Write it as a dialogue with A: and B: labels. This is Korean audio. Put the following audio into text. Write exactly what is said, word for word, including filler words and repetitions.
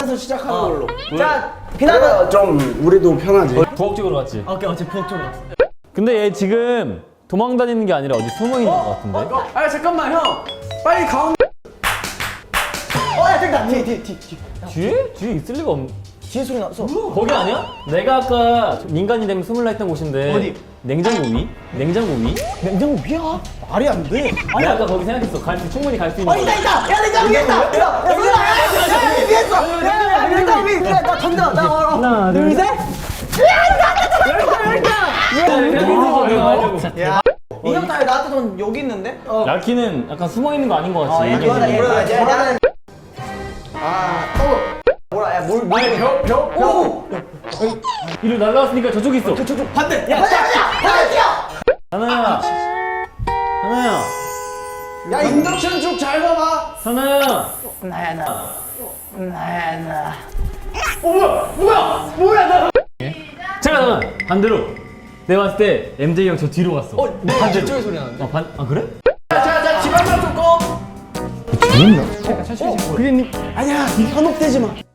A: 앉아서 시작하는
B: 어.
A: 걸로.
B: 자, 비나는
A: 좀 우리도 편하지.
C: 부엌 쪽으로 갔지.
B: 오케이, 어째 부엌 쪽으로 갔어.
C: 근데 얘 지금 도망 다니는 게 아니라 어디 숨어 있는 것 같은데.
A: 아 잠깐만 형. 빨리 가운데.
B: 어, 야, 저기다. 뒤에, 뒤에, 뒤에. 뒤에.
C: 뒤에? 뒤에 있을 리가 없.
B: 뒤에 소리 났어.
C: 거기 아니야? 내가 아까 인간이 되면 숨을라 했던 곳인데.
B: 어디?
C: 냉장고 위? 냉장고 위?
B: 냉장고 위야? 말이 안 돼.
C: 내가 아까 거기 생각했어. 갈 수, 충분히 갈 수 있는.
B: 어, 있다, 있다. 야, 냉장고 위에 있다. 야, 야, 소리나. 야, 야, 야, 위에 있어. 야, 야, 야, 냉장고 위에. 그래, 나 던져. 나 얼어. 하나, 둘, 셋. 야, 인형 타요. 나한테 돈 여기 있는데? 어.
C: 라키는 약간 숨어 있는 거 아닌 것 같지.
B: 어, 얘 좋아하다, 얘 좋아하다. 얘 나는. 아, 어. 뭐라, 야, 뭘, 뭘.
A: 벽 벽.
B: 오!
C: 이리 날라왔으니까 저쪽에 있어.
B: 저쪽 반대. 야, 야, 야, 야, 뛰어.
C: 하나야. 하나야.
A: 야 인덕션 좀 잘 봐봐.
C: 하나야.
B: 나야, 나. 나야, 나.
A: 어 뭐야 뭐야 뭐야 나.
C: 잠깐 잠깐. 반대로. 내가 봤을 때 엠제이 형 저 뒤로 갔어.
B: 어, 내 반대 쪽에 소리 나는데?
C: 아, 반, 아 그래?
A: 자자 집안만 좀 꺼.
C: 죽였나?
B: 어, 그게 아니야, 현혹되지 마.